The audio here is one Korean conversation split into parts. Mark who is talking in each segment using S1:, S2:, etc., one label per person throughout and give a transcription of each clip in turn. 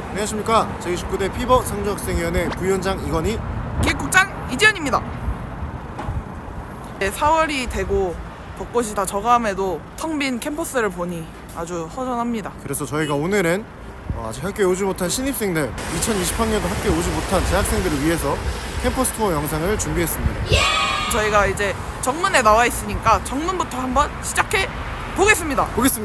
S1: 안녕하십니까. 제29대 피버 상주학생위원회 부위원장 이건희,
S2: 기획국장 이지연입니다. 4월이 되고 벚꽃이 다 져감에도 텅 빈 캠퍼스를 보니 아주 허전합니다.
S1: 그래서 저희가 오늘은 아직 학교에 오지 못한 신입생들, 2020학년도 학교에 오지 못한 재학생들을 위해서 캠퍼스 투어 영상을 준비했습니다.
S2: 저희가 이제 정문에 나와 있으니까 정문부터 한번 시작해 보겠습니다.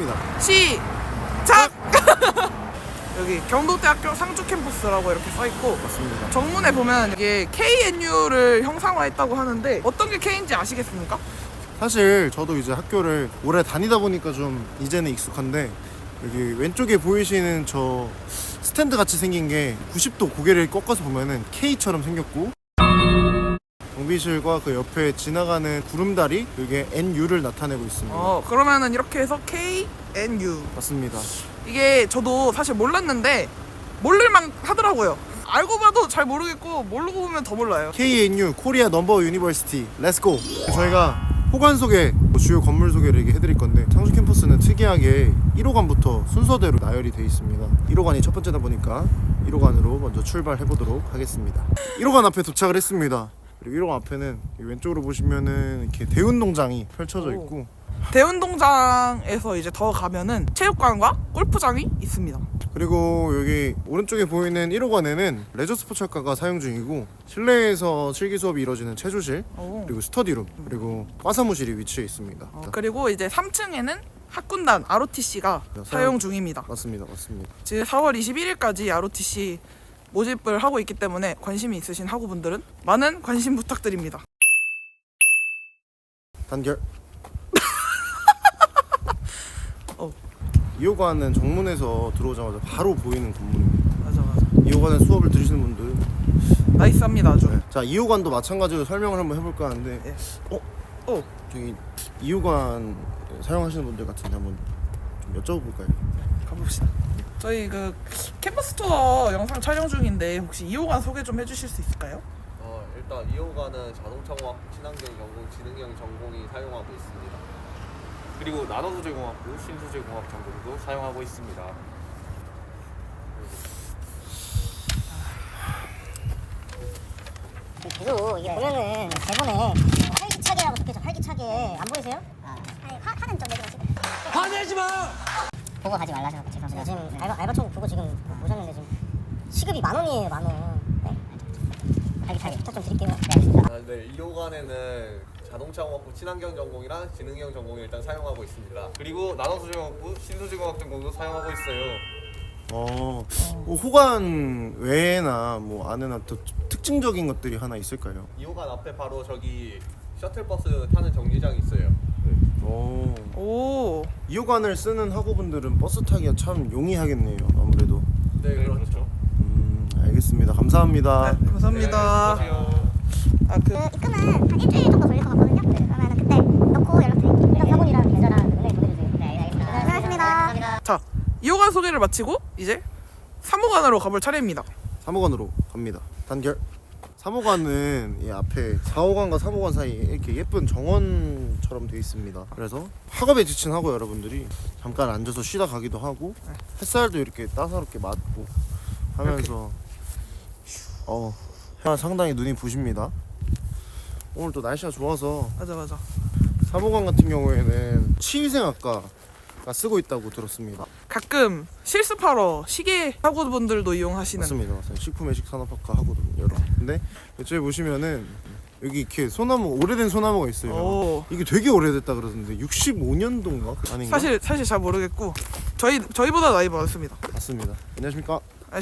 S2: 시작! 여기 경도대학교 상주 캠퍼스라고 이렇게 써있고,
S1: 맞습니다.
S2: 정문에 보면 이게 KNU를 형상화했다고 하는데 어떤 게 K인지 아시겠습니까?
S1: 사실 저도 이제 학교를 오래 다니다 보니까 좀 이제는 익숙한데, 여기 왼쪽에 보이시는 저 스탠드 같이 생긴 게 90도 고개를 꺾어서 보면은 K처럼 생겼고, 경비실과 그 옆에 지나가는 구름다리, 이게 NU를 나타내고 있습니다.
S2: 그러면은 이렇게 해서 KNU.
S1: 맞습니다.
S2: 이게 저도 사실 몰랐는데 모를만 하더라고요. 알고 봐도 잘 모르겠고 모르고 보면 더 몰라요.
S1: KNU 코리아 넘버 유니버시티 렛츠고. 저희가 호관 소개, 주요 건물 소개를 이렇게 해드릴 건데, 상주 캠퍼스는 특이하게 1호관부터 순서대로 나열이 되어 있습니다. 1호관이 첫 번째다 보니까 1호관으로 먼저 출발해 보도록 하겠습니다. 1호관 앞에 도착을 했습니다. 그리고 1호관 앞에는 왼쪽으로 보시면은 이렇게 대운동장이 펼쳐져 있고,
S2: 대운동장에서 이제 더 가면은 체육관과 골프장이 있습니다.
S1: 그리고 여기 오른쪽에 보이는 1호관에는 레저 스포츠학과가 사용 중이고, 실내에서 실기 수업이 이루어지는 체조실, 그리고 스터디룸, 그리고 과사무실이 위치해 있습니다.
S2: 그리고 이제 3층에는 학군단 ROTC가 사용 중입니다.
S1: 맞습니다.
S2: 지금 4월 21일까지 ROTC 모집을 하고 있기 때문에 관심이 있으신 학우분들은 많은 관심 부탁드립니다.
S1: 단결. 2호관은 정문에서 들어오자마자 바로 보이는 건물입니다.
S2: 맞아.
S1: 2호관에 수업을 들으시는 분들
S2: 나이스합니다 아주.
S1: 네. 자, 2호관도 마찬가지로 설명을 한번 해볼까 하는데,
S2: 네.
S1: 저기 2호관 사용하시는 분들 같은데 한번 좀 여쭤볼까요?
S2: 가봅시다. 저희 그 캠퍼스 투어 영상 촬영 중인데 혹시 2호관 소개 좀 해주실 수 있을까요?
S3: 일단 2호관은 자동차공학, 친환경 전공, 지능형 전공이 사용하고 있습니다.
S4: 그리고 나노소재공학부, 신소재공학 전공도 사용하고 있습니다.
S5: 계속 이게 보면은 대본에 활기차게라고 적혀져. 활기차게 안 보이세요? 아니 화는 좀 내지 마시고. 화내지 마. 보고 가지 말라 하셔서 죄송합니다. 지금 알바 천국 보고 지금 오셨는데 지금 시급이 10,000원이에요, 10,000원. 네? 활기차게 부탁 좀 드릴게요. 네.
S3: 네, 2호관에는 자동차공학부, 친환경 전공이랑 지능형 전공을 일단 사용하고 있습니다.
S4: 그리고 나노소재공학부, 신소재공학 전공도 사용하고 있어요.
S1: 뭐 호관 외에나 뭐 안에나 더 특징적인 것들이 하나 있을까요?
S3: 2호관 앞에 바로 저기 셔틀버스 타는 정류장이 있어요.
S2: 오.
S1: 2호관을 쓰는 학우분들은 버스 타기가 참 용이하겠네요, 아무래도.
S3: 네, 그렇죠.
S1: 알겠습니다. 감사합니다.
S2: 네, 감사합니다.
S5: 입금은 한 일주일 정도 걸릴 것 같거든요. 그러면 그때 넣고 연락드릴게요. 사본이랑 계좌랑 은행 보내주세요. 네, 알겠습니다. 고생하셨습니다.
S2: 자, 2호관 소개를 마치고 이제 3호관으로 가볼 차례입니다.
S1: 3호관으로 갑니다. 단결. 3호관은 이 앞에 4호관과 3호관 사이에 이렇게 예쁜 정원처럼 되어 있습니다. 그래서 학업에 지친 학우 여러분들이 잠깐 앉아서 쉬다 가기도 하고, 햇살도 이렇게 따사롭게 맞고 하면서 상당히 눈이 부십니다. 오늘 또 날씨가 좋아서
S2: 맞아.
S1: 3호관 같은 경우에는 치위생학과가 쓰고 있다고 들었습니다.
S2: 가끔 실습하러 시계 학우분들도 이용하시는.
S1: 맞습니다. 식품외식산업학과 하거든요. 근데 이쪽에 보시면은 여기 이렇게 소나무, 오래된 소나무가 있어요. 이게 되게 오래됐다 그러던데 65년도인가? 아닌가?
S2: 사실 잘 모르겠고 저희보다 나이 많습니다.
S1: 맞습니다. 안녕하십니까?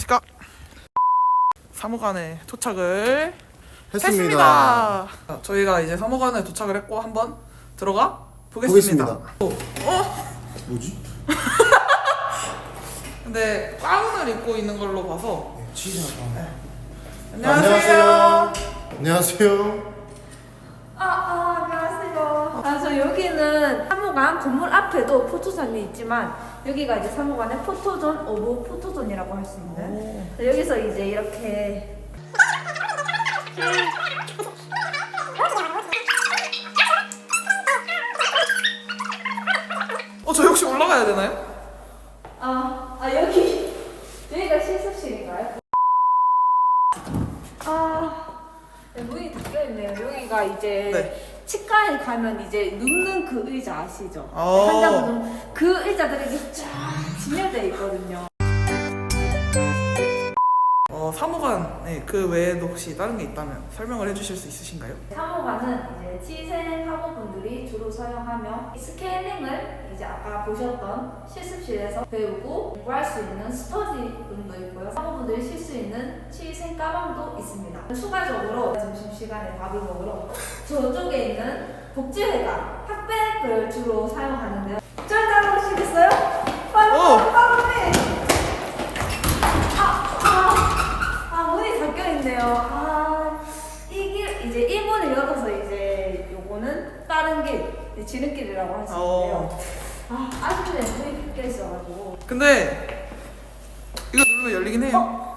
S2: 3호관에 도착을
S1: 했습니다.
S2: 저희가 이제 3호관에 도착을 했고 한번 들어가 보겠습니다.
S1: 뭐지?
S2: 근데 가운을 입고 있는 걸로 봐서
S1: 치즈학과.
S2: 안녕하세요.
S1: 안녕하세요.
S6: 안녕하세요. 저 여기는 3호관 건물 앞에도 포토존이 있지만 여기가 이제 3호관의 포토존 오브 포토존이라고 할 수 있는. 여기서 이제 이렇게
S2: 저 혹시 올라가야 되나요?
S6: 여기 여기가 실습실이 여기가 이제
S2: 네.
S6: 치과에 가면 이제 눕는 그 의자 아시죠?
S2: 어.
S6: 환자분들 그 의자들이 이제 쫙 진열되어 있거든요.
S2: 사무관 그 외에도 혹시 다른 게 있다면 설명을 해주실 수 있으신가요?
S6: 사무관은 이제 치생 사무분들이 주로 사용하며 스케일링을 이제 아까 보셨던 실습실에서 배우고 공부할 수 있는 스터디룸도 있고요. 사무분들이 쉴 수 있는 치생 가방도 있습니다. 추가적으로 점심시간에 밥을 먹으러 저쪽에 있는 복지회관 핫백을 주로 사용하는데요. 짠 보시겠어요? 빨리! 문이 닫혀있네요. 이게 이제 1문을 열어서 이제 요거는 다른 길, 지름길이라고 할 수 있는데요. 아쉽네, 문이 닫혀있어가지고.
S2: 근데 이거 누르면 열리긴 해요.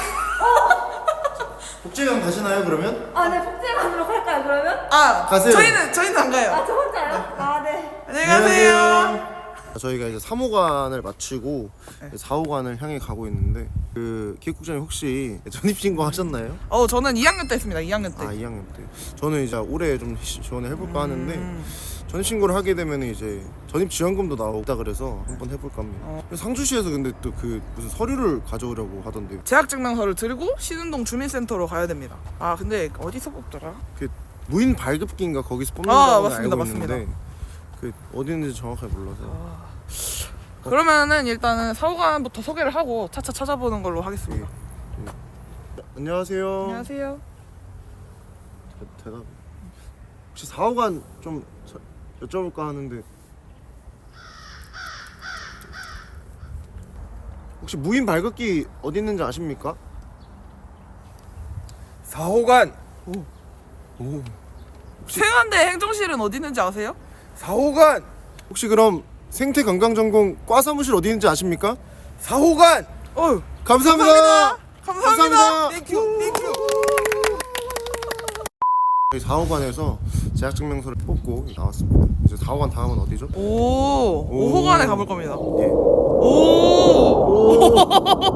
S1: 복지관 가시나요 그러면?
S6: 네, 복제관으로 갈까요, 그러면?
S1: 가세요.
S2: 저희는 안 가요.
S6: 저 혼자요? 네.
S2: 안녕히 가세요.
S1: 저희가 이제 3호관을 마치고 4호관을 향해 가고 있는데 그 기획국장님 혹시 전입신고 하셨나요?
S2: 저는 2학년 때 했습니다. 2학년 때.
S1: 2학년 때. 저는 이제 올해 좀 지원을 해볼까 하는데 전입신고를 하게 되면 이제 전입지원금도 나오다 그래서 한번 해볼까 합니다. 상주시에서 근데 또 그 무슨 서류를 가져오려고 하던데요.
S2: 재학증명서를 들고 신운동 주민센터로 가야 됩니다. 근데 어디서 뽑더라?
S1: 그 무인 발급기인가 거기서 뽑는다고
S2: 맞습니다,
S1: 알고 있는데 그 어디 있는지 정확하게 몰라서.
S2: 그러면은 일단은 사후관부터 소개를 하고 차차 찾아보는 걸로 하겠습니다.
S1: 안녕하세요.
S2: 안녕하세요.
S1: 대답. 혹시 4호관 좀 여쭤볼까 하는데 혹시 무인 발급기 어디 있는지 아십니까?
S7: 4호관
S2: 생활대 행정실은 어디 있는지 아세요?
S7: 4호관
S1: 혹시 그럼 생태관광전공 과 사무실 어디 있는지 아십니까?
S7: 4호관
S1: 감사합니다.
S2: 감사합니다.
S7: 땡큐
S1: 저희 4호관에서 재학증명서를 뽑고 나왔습니다. 이제 4호관 다음은 어디죠?
S2: 5호관에 가볼 겁니다.
S1: 예.
S2: 오.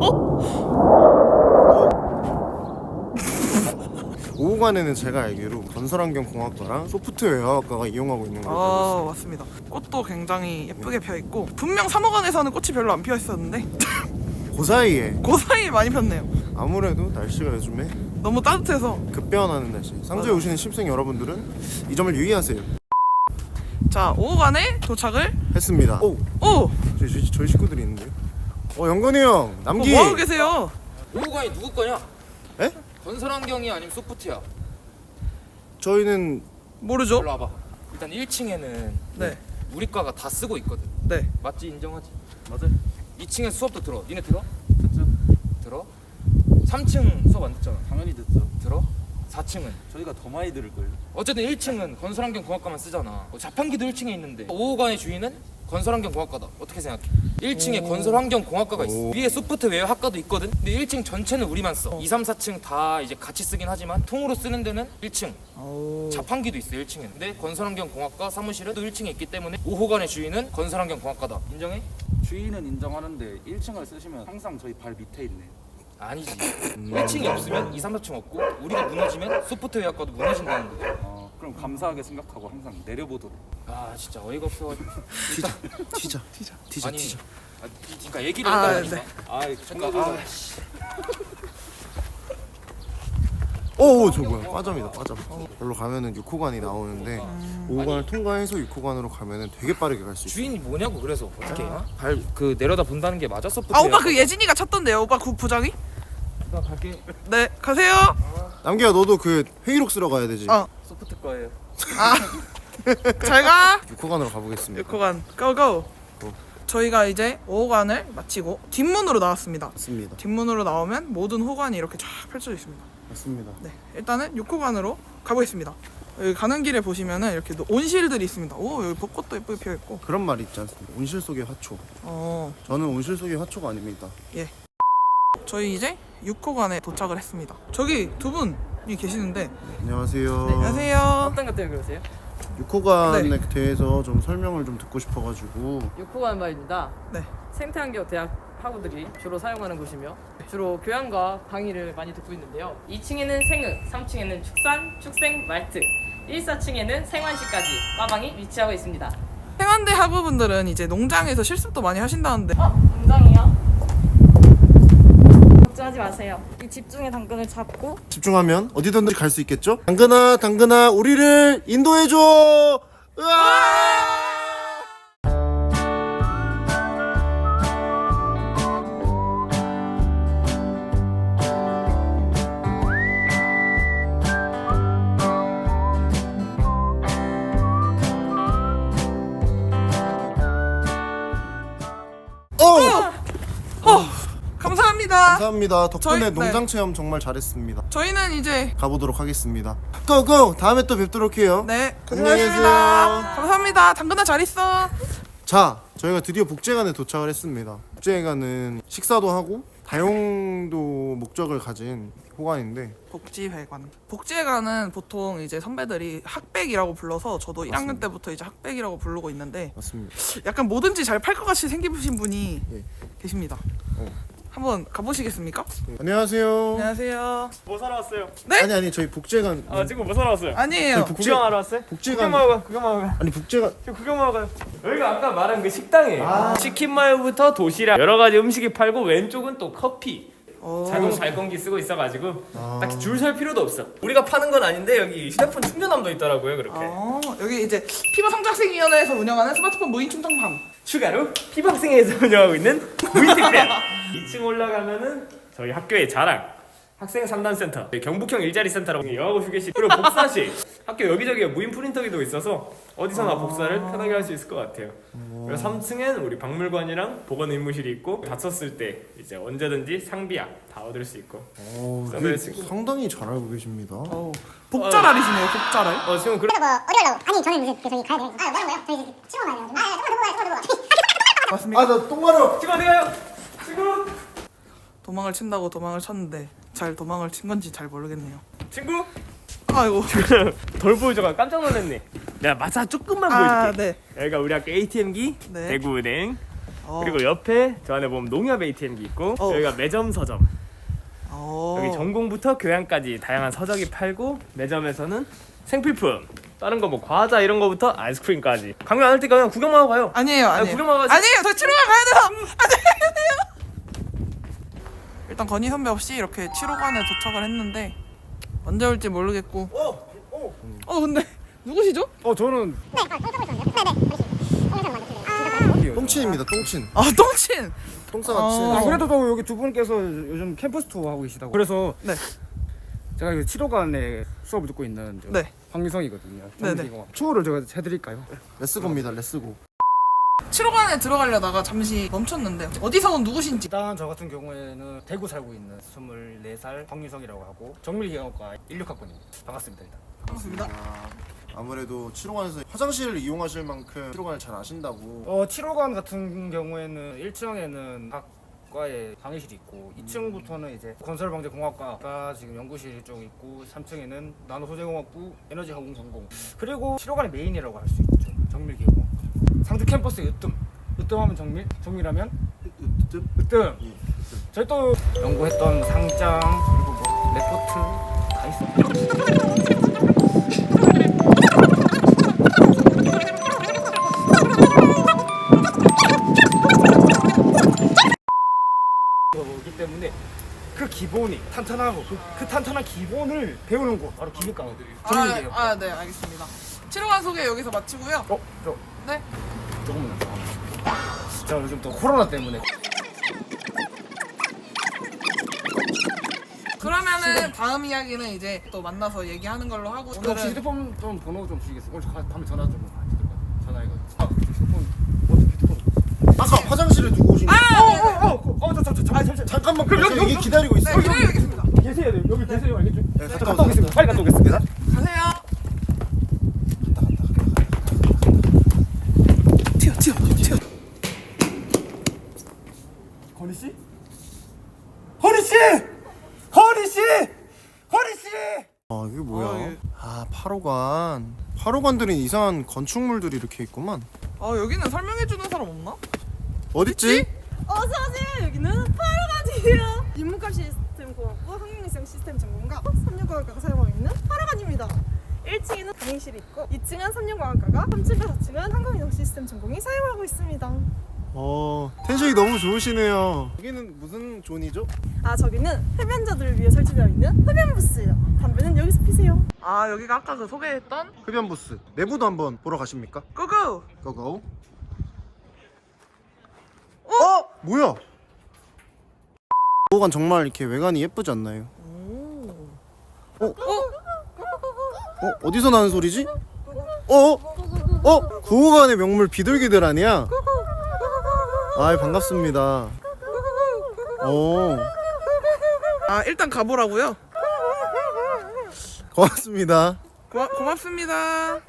S1: 5호관에는 제가 알기로 건설환경공학과랑 소프트웨어학과가 이용하고 있는 걸로 알고
S2: 맞습니다. 꽃도 굉장히 예쁘게 펴 있고 분명 3호관에서는 꽃이 별로 안 피어 있었는데
S1: 있습니다. 그 사이에
S2: 그 사이에 많이 폈네요.
S1: 아무래도 날씨가 요즘에
S2: 너무 따뜻해서.
S1: 급변하는 날씨. 상주에 오시는 신입생 여러분들은 이 점을 유의하세요.
S2: 자, 5호관에 도착을
S1: 했습니다. 오, 저희 식구들이 있는데요. 영건이 형, 남기.
S2: 뭐 하고 계세요?
S7: 5호관이 누구 거냐?
S1: 에?
S7: 건설환경이 아니면 소프트야.
S1: 저희는
S2: 모르죠?
S7: 일로 와봐. 일단 1층에는
S2: 네.
S7: 우리 과가 다 쓰고 있거든.
S2: 네.
S7: 맞지? 인정하지? 맞아. 2층에 수업도 들어. 니네 들어? 듣죠. 들어? 3층 수업 안 듣잖아.
S8: 당연히 듣죠.
S7: 들어? 4층은?
S8: 저희가 더 많이 들을걸요.
S7: 어쨌든 1층은 건설환경공학과만 쓰잖아. 자판기도 1층에 있는데 5호관의 주인은 건설환경공학과다. 어떻게 생각해? 1층에 건설환경공학과가 있어. 위에 소프트웨어 학과도 있거든. 근데 1층 전체는 우리만 써. 2, 3, 4층 다 이제 같이 쓰긴 하지만 통으로 쓰는 데는 1층. 자판기도 있어 1층에. 근데 건설환경공학과 사무실은 또 1층에 있기 때문에 5호관의 주인은 건설환경공학과다. 인정해?
S8: 주인은 인정하는데 1층을 쓰시면 항상 저희 발 밑에 있네요.
S7: 아니지. 1층이 없으면 2, 3, 4층 없고 우리가 무너지면 소프트웨어 학과도 무너진다는 거죠.
S8: 그럼 감사하게 생각하고 항상 내려보도록.
S7: 진짜 어이가 없어가지고.
S1: 티자.
S7: 아니, 그러니까 얘기를 해달라니까.
S2: 네.
S7: 잠깐.
S1: 저 뭐야? 빠점이다. 별로 가면은 6호관이 나오는데 5호관을 통과해서 6호관으로 가면은 되게 빠르게 갈 수 있어요.
S7: 주인이 뭐냐고 그래서 어떻게 발 그 내려다 본다는 게 맞아 소프트웨어?
S2: 오빠 그 예진이가 찾던데요. 오빠 그 부장이?
S7: 나 갈게.
S2: 네, 가세요.
S1: 남기야, 너도 그 회의록 쓰러 가야 되지.
S7: 소프트 거예요.
S2: 잘 가.
S1: 6호관으로 가보겠습니다.
S2: 6호관 고고. 저희가 이제 5호관을 마치고 뒷문으로 나왔습니다.
S1: 맞습니다.
S2: 뒷문으로 나오면 모든 호관이 이렇게 쫙 펼쳐져 있습니다.
S1: 맞습니다.
S2: 네, 일단은 6호관으로 가보겠습니다. 여기 가는 길에 보시면은 이렇게 온실들이 있습니다. 여기 벚꽃도 예쁘게 피어 있고.
S1: 그런 말이 있지 않습니까? 온실 속의 화초. 저는 온실 속의 화초가 아닙니다.
S2: 저희 이제 6호관에 도착을 했습니다. 저기 두 분이 계시는데.
S1: 안녕하세요.
S2: 안녕하세요.
S9: 어떤 것 때문에 그러세요?
S1: 6호관에 대해서 좀 설명을 좀 듣고 싶어가지고.
S9: 6호관 말입니다.
S2: 네.
S9: 생태환경 대학 학우들이 주로 사용하는 곳이며 주로 교양과 강의를 많이 듣고 있는데요. 2층에는 생흙, 3층에는 축산, 축생, 말트 1, 4층에는 생환시까지 빠방이 위치하고 있습니다.
S2: 행안대 학우분들은 이제 농장에서 실습도 많이 하신다는데
S10: 농장이요? 걱정하지 마세요. 이 집중의 당근을 잡고
S1: 집중하면 어디든지 갈 수 있겠죠? 당근아 우리를 인도해줘. 으아!
S2: 감사합니다.
S1: 감사합니다. 덕분에
S2: 저희-
S1: 농장 체험 정말 잘했습니다.
S2: 저희는 이제
S1: 가보도록 하겠습니다. 고고! 다음에 또 뵙도록 해요.
S2: 네
S1: 안녕히
S2: 고생하셨습니다.
S1: 계세요.
S2: 감사합니다. 당근아 잘 있어.
S1: 자, 저희가 드디어 복제관에 도착을 했습니다. 복제관은 식사도 하고 다용도 목적을 가진 호관인데
S2: 복지회관. 복지회관은 보통 이제 선배들이 학백이라고 불러서 저도 1학년 때부터 이제 학백이라고 부르고 있는데
S1: 맞습니다.
S2: 약간 뭐든지 잘 팔 것 같이 생기신 분이
S1: 예.
S2: 계십니다.
S1: 어.
S2: 한번 가보시겠습니까?
S1: 안녕하세요.
S2: 안녕하세요.
S4: 뭐 사러 왔어요?
S2: 네?
S1: 아니 저희 복제관
S4: 지금 뭐 사러 왔어요?
S2: 아니에요.
S4: 구경하러 왔어요?
S1: 복제관
S4: 구경하러 가요.
S1: 아니 복제관
S4: 지금 구경하러 가요. 여기가 아까 말한 그 식당이에요. 치킨 마요부터 도시락 여러 가지 음식이 팔고 왼쪽은 또 커피. 자동 발권기 쓰고 있어가지고 딱히 줄 설 필요도 없어. 우리가 파는 건 아닌데 여기 휴대폰 충전함도 있더라고요. 그렇게
S2: 여기 이제 피부성장생위원회에서 운영하는 스마트폰 무인 충전함.
S4: 추가로 피박생회에서 운영하고 있는 무인택배. 2층 올라가면은 저희 학교의 자랑 학생 상담센터, 경북형 일자리 센터라고 영어고 휴게실, 그리고 복사실. 학교 여기저기에 무인 프린터기도 있어서 어디서나 복사를 편하게 할 수 있을 것 같아요. 그리고 3층엔 우리 박물관이랑 보건 의무실이 있고 다쳤을 때 이제 언제든지 상비약 다 얻을 수 있고.
S1: 되게 상당히 잘 알고 계십니다.
S2: 복자랄이시네요. 복자랄.
S4: 지금
S5: 그래서 뭐 어디 가려고? 아니 저는 무슨 저기 가야 돼요. 내가 뭐요? 저희 치고 가야 돼요. 정말
S2: 맞습니까?
S1: 나 똥 마려.
S4: 지금 어디 가요? 친구?
S2: 도망을 친다고 도망을 쳤는데 잘 도망을 친 건지 잘 모르겠네요.
S4: 친구?
S2: 아이고.
S4: 덜 보여줘가 깜짝 놀랐네. 내가 마사 조금만 보여줄게.
S2: 네.
S4: 여기가 우리 학교 ATM기,
S2: 네.
S4: 대구은행. 그리고 옆에 저 안에 보면 농협 ATM기 있고 여기가 매점 서점. 여기 전공부터 교양까지 다양한 서적이 팔고 매점에서는 생필품, 다른 거 뭐 과자 이런 거부터 아이스크림까지. 강연 안 할 때 그냥 구경만 하고 가요.
S2: 아니에요.
S4: 구경만 하고
S2: 아니에요. 저 치료관 가야 돼요. 안녕하세요. 일단 건희 선배 없이 이렇게 치료관에 도착을 했는데 언제 올지 모르겠고. 근데 누구시죠?
S8: 저는
S1: 똥친입니다. 똥친.
S2: 똥친.
S1: 똥싸가 친.
S8: 그래도 또 여기 두 분께서 요즘 캠퍼스 투어 하고 계시다고. 그래서
S2: 네.
S8: 제가 이 치료관에 수업을 듣고 있는
S2: 네.
S8: 황미성이거든요.
S2: 네네.
S8: 투어를 제가 해드릴까요?
S1: 레츠고입니다. 레츠고.
S2: 치료관에 들어가려다가 잠시 멈췄는데 어디서 온 누구신지.
S8: 일단 저 같은 경우에는 대구 살고 있는 24살 황미성이라고 하고 정밀경영과 16학번입니다. 반갑습니다. 일단.
S2: 반갑습니다.
S1: 아무래도 치료관에서 화장실을 이용하실 만큼 치료관을 잘 아신다고.
S8: 치료관 같은 경우에는 1층에는 과의 강의실이 있고 2층부터는 이제 건설방재공학과가 지금 연구실 쪽 있고 3층에는 나노소재공학부, 에너지화공전공, 그리고 치료관의 메인이라고 할 수 있죠. 정밀기계공학. 상주 캠퍼스의 으뜸하면 정밀, 정밀하면 으뜸. 저희 또 연구했던 상장 그리고 뭐 레포트 다 있습니다. 거기 때문에 그 기본이 탄탄하고 그 탄탄한 기본을 배우는 곳 바로 기계과 정밀기계요.
S2: 네, 알겠습니다. 치료관 소개 여기서 마치고요. 네.
S8: 조금만 자, 요즘 또 코로나 때문에
S2: 그러면은 다음 이야기는 이제 또 만나서 얘기하는 걸로 하고
S8: 혹시
S2: 오늘은
S8: 휴대폰 좀 번호 좀 주시겠어요? 오늘 밤에 전화 좀 전화해가지고 휴대폰
S1: 아까 화장실에 두고 오신 거. 잠깐만. 그럼 여기 기다리고 있어.
S2: 네, 기다리겠습니다.
S8: 계세요. 여기 계세요. 알겠죠?
S1: 네,
S8: 갔다 오겠습니다. 빨리 갔다 오겠습니다.
S2: 가세요. 튀어.
S8: 건희 씨?
S1: 이게 뭐야? 8호관들은 이상한 건축물들이 이렇게 있구만.
S2: 여기는 설명해주는 사람 없나?
S1: 어딨지?
S10: 어서오세요. 여기는 8호관이에요. 인문값 시스템 공학부, 항공위성 시스템 전공과 365학과가 사용하고 있는 8호관입니다. 1층에는 강의실이 있고 2층은 삼륜공학과가 3층과 4층은 항공이동 시스템 전공이 사용하고 있습니다.
S1: 텐션이 너무 좋으시네요. 여기는 무슨 존이죠?
S10: 아 저기는 흡연자들을 위해 설치되어 있는 흡연 부스예요. 담배는 여기서 피세요.
S2: 아 여기가 아까 그 소개했던
S1: 흡연 부스. 내부도 한번 보러 가십니까?
S2: 고고!
S1: 고고. 뭐야? 보호관 정말 이렇게 외관이 예쁘지 않나요? 어디서 나는 소리지? 구호관의 명물 비둘기들 아니야? 아 반갑습니다.
S2: 아 일단 가보라고요?
S1: 고맙습니다.
S2: 고맙습니다.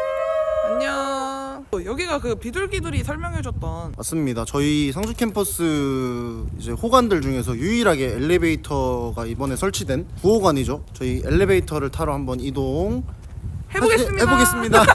S2: 안녕. 여기가 그 비둘기들이 설명해줬던
S1: 맞습니다. 저희 상주 캠퍼스 이제 호관들 중에서 유일하게 엘리베이터가 이번에 설치된 구호관이죠. 저희 엘리베이터를 타러 한번 이동 해보겠습니다.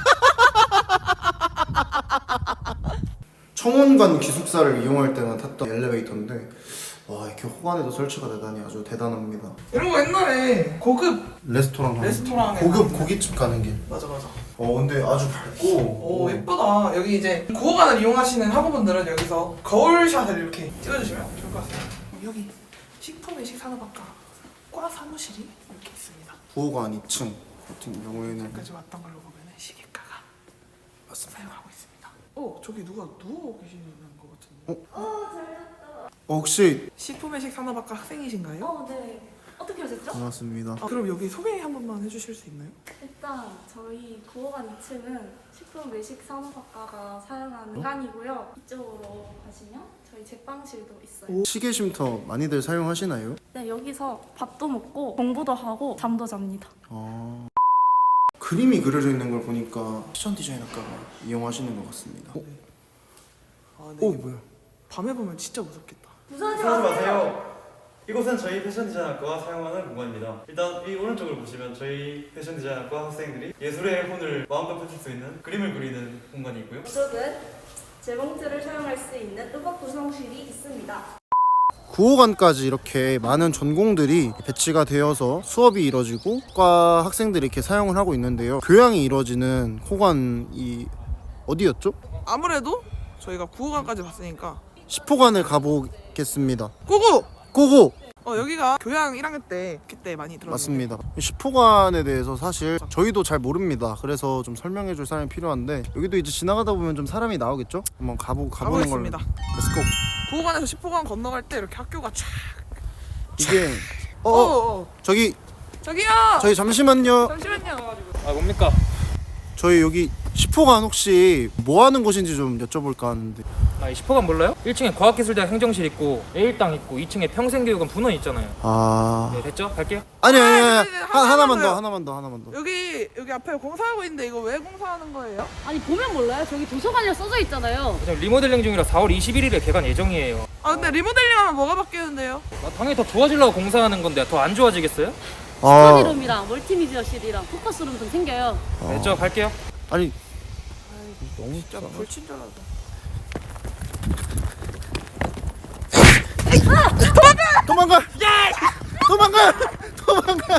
S1: 청원관 기숙사를 이용할 때만 탔던 엘리베이터인데 와 이렇게 호관에도 설치가 되다니 아주 대단합니다.
S2: 이런 거 옛날에 고급
S1: 레스토랑에
S2: 고급
S1: 고깃집 가는 길.
S2: 맞아.
S1: 근데 아주 밝고
S2: 예쁘다. 여기 이제 구호관을 이용하시는 학우분들은 여기서 거울샷을 이렇게 찍어주시면 좋을 것 같습니다. 여기 식품 외식 산업학과 과 사무실이 이렇게 있습니다.
S1: 구호관 2층 같은 경우에는
S2: 여기까지 왔던 걸로 보면 시계과가 사용하고 있습니다. 저기 누가 누워 계시는 것 같은데.
S1: 혹시
S2: 식품 외식 산업학과 학생이신가요?
S10: 네. 어떻게 하셨죠?
S1: 반갑습니다.
S2: 그럼 여기 소개 한 번만 해주실 수 있나요?
S10: 일단 저희 구호관 2층은 식품 외식 산업학과가 사용하는 공간이고요. 이쪽으로 가시면 저희 제빵실도 있어요.
S1: 시계 쉼터 많이들 사용하시나요?
S10: 네, 여기서 밥도 먹고 공부도 하고 잠도 잡니다.
S1: 그림이 그려져 있는 걸 보니까 패션 디자인학과가 이용하시는 것 같습니다.
S2: 네.
S1: 뭐야?
S2: 밤에 보면 진짜 무섭겠다.
S10: 무서워하지
S11: 마세요. 이곳은 저희 패션 디자인학과가 사용하는 공간입니다. 일단 이 오른쪽을 보시면 저희 패션 디자인학과 학생들이 예술의 혼을 마음껏 펼칠 수 있는 그림을 그리는 공간이 있고요.
S10: 이쪽은 재봉틀을 사용할 수 있는 음악 구성실이 있습니다.
S1: 구호관까지 이렇게 많은 전공들이 배치가 되어서 수업이 이뤄지고 과 학생들이 이렇게 사용을 하고 있는데요. 교양이 이루어지는 호관이 어디였죠?
S2: 아무래도 저희가 구호관까지 봤으니까
S1: 10호관을 가보겠습니다.
S2: 고고! 여기가 교양 1학년 때 그때 많이 들었는데
S1: 맞습니다. 10호관에 대해서 사실 저희도 잘 모릅니다. 그래서 좀 설명해 줄 사람이 필요한데 여기도 이제 지나가다 보면 좀 사람이 나오겠죠? 한번 가보는 걸로.
S2: 가보겠습니다.
S1: 렛츠고.
S2: 구호관에서 10호관 건너갈 때 이렇게 학교가 쫙
S1: 이게
S2: 저기요!
S1: 저희 잠시만요.
S4: 뭡니까?
S1: 저희 여기 10호관 혹시 뭐 하는 곳인지 좀 여쭤볼까 하는데.
S7: 이 10호관 몰라요? 1층에 과학기술대학 행정실 있고 A일당 있고 2층에 평생교육원 분원 있잖아요.
S1: 아.
S7: 네, 됐죠? 갈게요.
S1: 아니 하나만
S2: 더요.
S1: 더.
S2: 여기 앞에 공사하고 있는데 이거 왜 공사하는 거예요?
S10: 아니 보면 몰라요? 저기 도서관이라 써져 있잖아요.
S7: 지금 리모델링 중이라 4월 21일에 개관 예정이에요.
S2: 근데 리모델링하면 뭐가 바뀌는데요?
S7: 당연히 더 좋아지려고 공사하는 건데 더 안 좋아지겠어요?
S10: 스터디룸이랑 멀티미디어실이랑 포커스룸 좀 생겨요.
S7: 됐죠? 갈게요.
S1: 아니
S2: 너무 진짜 불친절하다.
S1: 도망가! 도망가!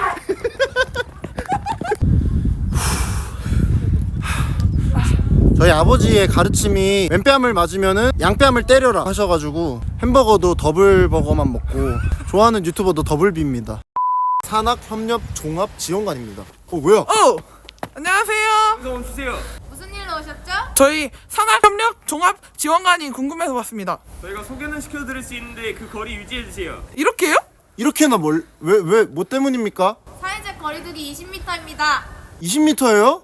S1: 저희 아버지의 가르침이 왼뺨을 맞으면은 양뺨을 때려라 하셔가지고 햄버거도 더블 버거만 먹고 좋아하는 유튜버도 더블비입니다. 산학협력종합지원관입니다. 뭐야?
S2: 안녕하세요.
S4: 좀 주세요.
S6: 무슨 일로 오셨죠?
S2: 저희 산학협력종합지원관이 궁금해서 왔습니다.
S4: 저희가 소개는 시켜드릴 수 있는데 그 거리 유지해 주세요.
S2: 이렇게요?
S1: 이렇게나 왜 뭐 때문입니까?
S6: 사회적 거리두기 20m입니다.
S1: 20m예요?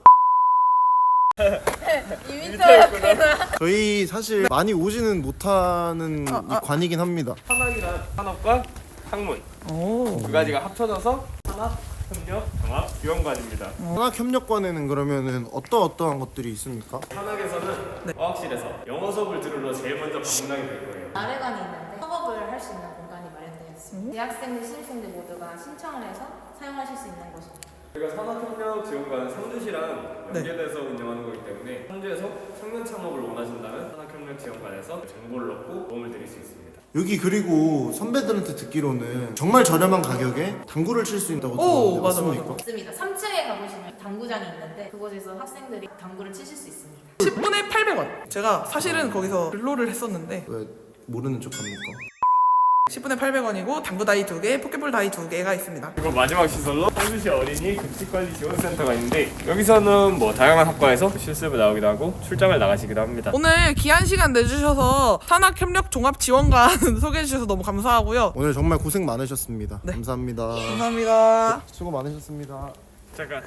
S6: 2m였구나.
S1: 저희 사실 많이 오지는 못하는 이 관이긴 합니다.
S4: 산학이란 산업과 학문 두 가지가 합쳐져서 산학협력종합지원관입니다.
S1: 산학협력관에는 그러면은 어떠한 것들이 있습니까?
S4: 산학에서는 과학실에서 영어 수업을 들으러 제일 먼저 방문하게 될 거예요.
S6: 아래관이 있는데 협업을 할 수 있는 공간이 마련되어 있습니다. 대학생들, 신입생들 모두가 신청을 해서 사용하실 수 있는 곳입니다.
S4: 저희가 산학협력지원관은 상주시랑 연계돼서 운영하는 거기 때문에 상주에서 청년 창업을 원하신다면 산학협력지원관에서 정보를 얻고 도움을 드릴 수 있습니다.
S1: 여기 그리고 선배들한테 듣기로는 정말 저렴한 가격에 당구를 칠 수 있다고 들었는데
S2: 맞아,
S1: 맞습니까?
S6: 맞습니다. 3층에 가보시면 당구장이 있는데 그곳에서 학생들이 당구를 치실 수 있습니다.
S2: 10분에 800원. 제가 사실은 거기서 근로를 했었는데
S1: 왜 모르는 척합니까?
S2: 10분에 800원이고 당구 다이 2개, 포켓볼 다이 2개가 있습니다.
S4: 그리고 마지막 시설로 성주시 어린이 급식관리 지원센터가 있는데 여기서는 뭐 다양한 학과에서 실습을 나오기도 하고 출장을 나가시기도 합니다.
S2: 오늘 귀한 시간 내주셔서 산학협력종합지원관 소개해주셔서 너무 감사하고요.
S1: 오늘 정말 고생 많으셨습니다.
S2: 네.
S1: 감사합니다.
S2: 감사합니다.
S1: 수고 많으셨습니다.
S4: 잠깐.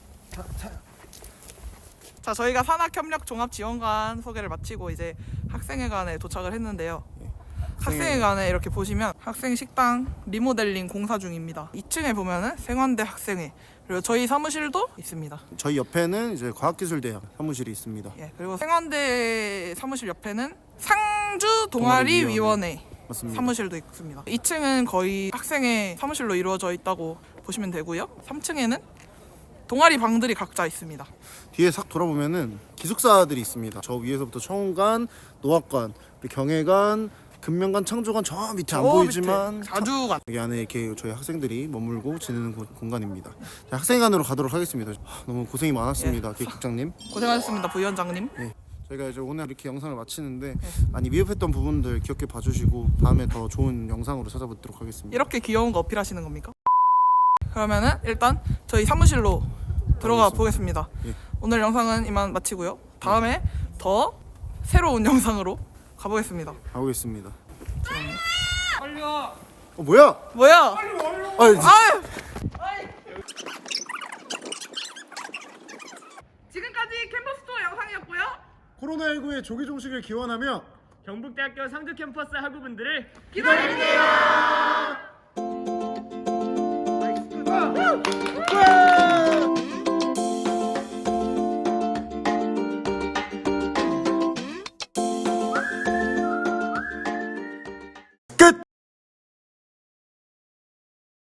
S2: 자, 저희가 산학협력종합지원관 소개를 마치고 이제 학생회관에 도착을 했는데요. 학생회관에 이렇게 보시면 학생 식당 리모델링 공사 중입니다. 2층에 보면은 생환대 학생회 그리고 저희 사무실도 있습니다.
S1: 저희 옆에는 이제 과학기술대학 사무실이 있습니다.
S2: 예, 그리고 생환대 사무실 옆에는 상주 동아리위원회
S1: 맞습니다.
S2: 사무실도 있습니다. 2층은 거의 학생회 사무실로 이루어져 있다고 보시면 되고요. 3층에는 동아리 방들이 각자 있습니다.
S1: 뒤에 싹 돌아보면은 기숙사들이 있습니다. 저 위에서부터 청관, 노학관, 그리고 경애관, 금명관, 창조관 저 밑에 안 보이지만
S2: 자주관
S1: 여기 안에 이렇게 저희 학생들이 머물고 지내는 공간입니다. 자, 학생회관으로 가도록 하겠습니다. 너무 고생이 많았습니다. 기획국장님.
S2: 고생하셨습니다, 부위원장님.
S1: 저희가 이제 오늘 이렇게 영상을 마치는데 많이 미흡했던 부분들 기억해 봐주시고 다음에 더 좋은 영상으로 찾아뵙도록 하겠습니다.
S2: 이렇게 귀여운 거 어필하시는 겁니까? 그러면은 일단 저희 사무실로 들어가 보겠습니다.
S1: 예.
S2: 오늘 영상은 이만 마치고요. 다음에 더 새로운 영상으로 가보겠습니다.
S1: 가보겠습니다.
S2: 빨리 와.
S1: 뭐야?
S2: 뭐야?
S1: 아유,
S2: 지금까지 캠퍼스 투어 영상이었고요.
S1: 코로나19의 조기 종식을 기원하며
S4: 경북대학교 상주 캠퍼스 학우분들을
S2: 기다려주세요.